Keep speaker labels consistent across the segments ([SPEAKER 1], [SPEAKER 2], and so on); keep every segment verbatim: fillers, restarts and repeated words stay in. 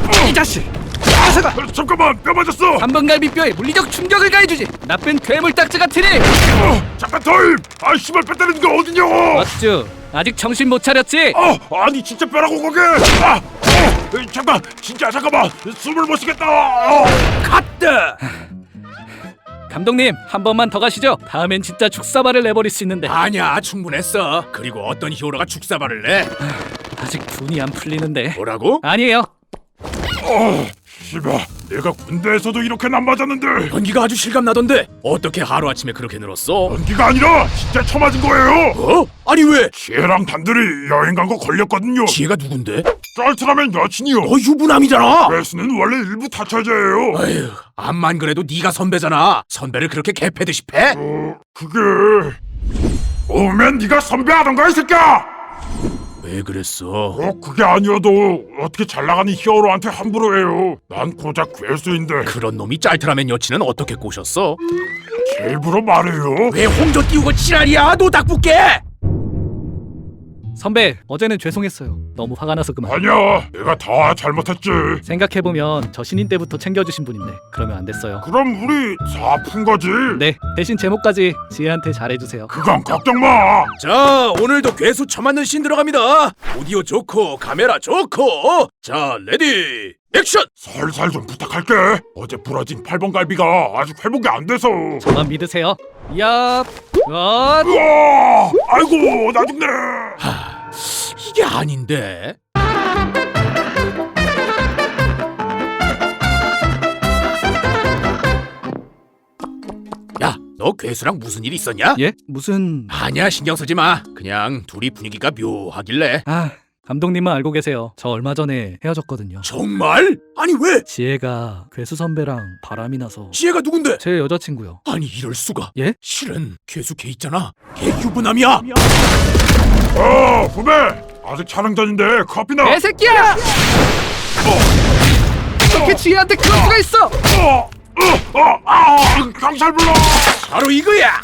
[SPEAKER 1] 이 자식! 아사가!
[SPEAKER 2] 어, 잠깐만, 뼈 맞았어.
[SPEAKER 1] 한번갈비뼈에 물리적 충격을 가해주지. 나쁜 괴물 딱지 같으니.
[SPEAKER 2] 어, 잠깐 타임. 아, 씨발 뼈 때리는 게 어디냐고.
[SPEAKER 1] 어쭈, 아직 정신 못 차렸지?
[SPEAKER 2] 어, 아니 진짜 뼈라고 거기. 아, 어, 에, 잠깐, 진짜 잠깐만. 숨을 못 쉬겠다. 어.
[SPEAKER 1] 갔다. 감독님, 한 번만 더 가시죠. 다음엔 진짜 죽사발을 내버릴 수 있는데.
[SPEAKER 3] 아니야, 충분했어. 그리고 어떤 히어로가 죽사발을 내?
[SPEAKER 1] 아직 분이 안 풀리는데.
[SPEAKER 3] 뭐라고?
[SPEAKER 1] 아니에요.
[SPEAKER 2] 어, 씨발, 내가 군대에서도 이렇게는 안 맞았는데.
[SPEAKER 3] 연기가 아주 실감나던데 어떻게 하루아침에 그렇게 늘었어?
[SPEAKER 2] 연기가 아니라 진짜 쳐맞은 거예요.
[SPEAKER 3] 어? 아니 왜?
[SPEAKER 2] 지혜랑 단둘이 여행 간 거 걸렸거든요.
[SPEAKER 3] 지혜가 누군데?
[SPEAKER 2] 쩔트라면 여친이요.
[SPEAKER 3] 너 유부남이잖아.
[SPEAKER 2] 괴수는 원래 일부 타처제예요.
[SPEAKER 3] 아휴, 암만 그래도 네가 선배잖아. 선배를 그렇게 개패듯이 패?
[SPEAKER 2] 어, 그게 오면 네가 선배하던가 이 새끼야.
[SPEAKER 3] 왜 그랬어?
[SPEAKER 2] 꼭 그게 아니어도 어떻게 잘 나가는 히어로한테 함부로 해요. 난 고작 괴수인데.
[SPEAKER 3] 그런 놈이 짤트라맨 여친은 어떻게 꼬셨어?
[SPEAKER 2] 제 입으로 말해요.
[SPEAKER 3] 왜 홍조 띄우고 지랄이야? 노닥붙게!
[SPEAKER 1] 선배, 어제는 죄송했어요. 너무 화가 나서 그만.
[SPEAKER 2] 아니야, 내가 다 잘못했지.
[SPEAKER 1] 생각해보면 저 신인 때부터 챙겨주신 분인데 그러면 안 됐어요.
[SPEAKER 2] 그럼 우리 사푼 거지?
[SPEAKER 1] 네, 대신 제목까지 지혜한테 잘해주세요.
[SPEAKER 2] 그건 걱정 마.
[SPEAKER 3] 자, 오늘도 괴수 처맞는 신 들어갑니다. 오디오 좋고 카메라 좋고. 자, 레디 액션!
[SPEAKER 2] 살살 좀 부탁할게. 어제 부러진 팔 번 갈비가 아직 회복이 안 돼서.
[SPEAKER 1] 저만 믿으세요. 야, 어,
[SPEAKER 2] 우와! 아이고, 나 죽네.
[SPEAKER 3] 이게 아닌데? 야, 너 괴수랑 무슨 일 있었냐?
[SPEAKER 1] 예? 무슨?
[SPEAKER 3] 아니야, 신경 쓰지 마. 그냥 둘이 분위기가 묘하길래.
[SPEAKER 1] 아, 감독님은 알고 계세요. 저 얼마 전에 헤어졌거든요.
[SPEAKER 3] 정말? 아니 왜?
[SPEAKER 1] 지혜가 괴수 선배랑 바람이 나서.
[SPEAKER 3] 지혜가 누군데?
[SPEAKER 1] 제 여자친구요.
[SPEAKER 3] 아니 이럴 수가.
[SPEAKER 1] 예?
[SPEAKER 3] 실은 괴수 걔 있잖아. 걔 유부남이야.
[SPEAKER 2] 어, 후배. 아직 촬영 전인데 커피나.
[SPEAKER 1] 개새끼야! 어떻게 지혜한테 그럴 수가 있어?
[SPEAKER 2] 어, 어, 어, 아, 경찰 불러.
[SPEAKER 3] 바로 이거야.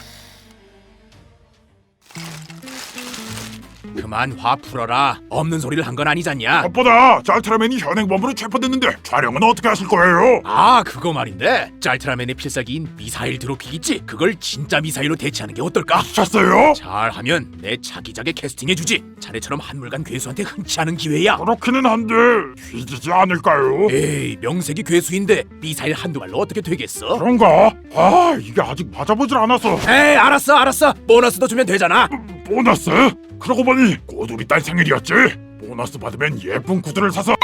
[SPEAKER 3] 그만 화 풀어라. 없는 소리를 한 건 아니잖냐.
[SPEAKER 2] 무엇보다 짤트라맨이 현행범으로 체포됐는데 촬영은 어떻게 하실 거예요?
[SPEAKER 3] 아, 그거 말인데 짤트라맨의 필살기인 미사일 드롭킥 있지? 그걸 진짜 미사일로 대체하는 게 어떨까?
[SPEAKER 2] 미쳤어요?
[SPEAKER 3] 잘하면 내 차기작에 캐스팅해주지. 자네처럼 한물간 괴수한테 흔치 않은 기회야.
[SPEAKER 2] 그렇기는 한데 뒤지지 않을까요?
[SPEAKER 3] 에이, 명색이 괴수인데 미사일 한두 발로 어떻게 되겠어?
[SPEAKER 2] 그런가? 아, 이게 아직 맞아보질 않아서.
[SPEAKER 3] 에이, 알았어 알았어. 보너스도 주면 되잖아.
[SPEAKER 2] 보너스? 그러고 보니 곧 우리 딸 생일이었지? 보너스 받으면 예쁜 구두를 사서.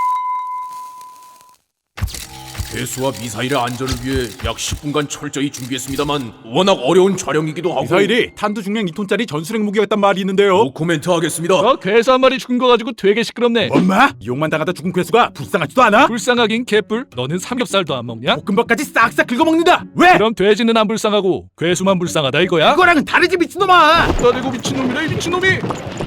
[SPEAKER 3] 괴수와 미사일의 안전을 위해 약 십 분간 철저히 준비했습니다만 워낙 어려운 촬영이기도 하고.
[SPEAKER 4] 미사일이 탄두 중량 이 톤짜리 전술핵 무기였단 말이 있는데요.
[SPEAKER 3] 노 코멘트 하겠습니다.
[SPEAKER 1] 어, 괴수 한 마리 죽은 거 가지고 되게 시끄럽네.
[SPEAKER 4] 엄마? 이용만 당하다 죽은 괴수가 불쌍하지도 않아?
[SPEAKER 1] 불쌍하긴 개뿔. 너는 삼겹살도 안 먹냐?
[SPEAKER 4] 볶음밥까지 싹싹 긁어먹는다. 왜?
[SPEAKER 1] 그럼 돼지는 안 불쌍하고 괴수만 불쌍하다 이거야?
[SPEAKER 4] 그거랑은 다르지 미친놈아.
[SPEAKER 1] 나대고 미친놈이라 이 미친놈이.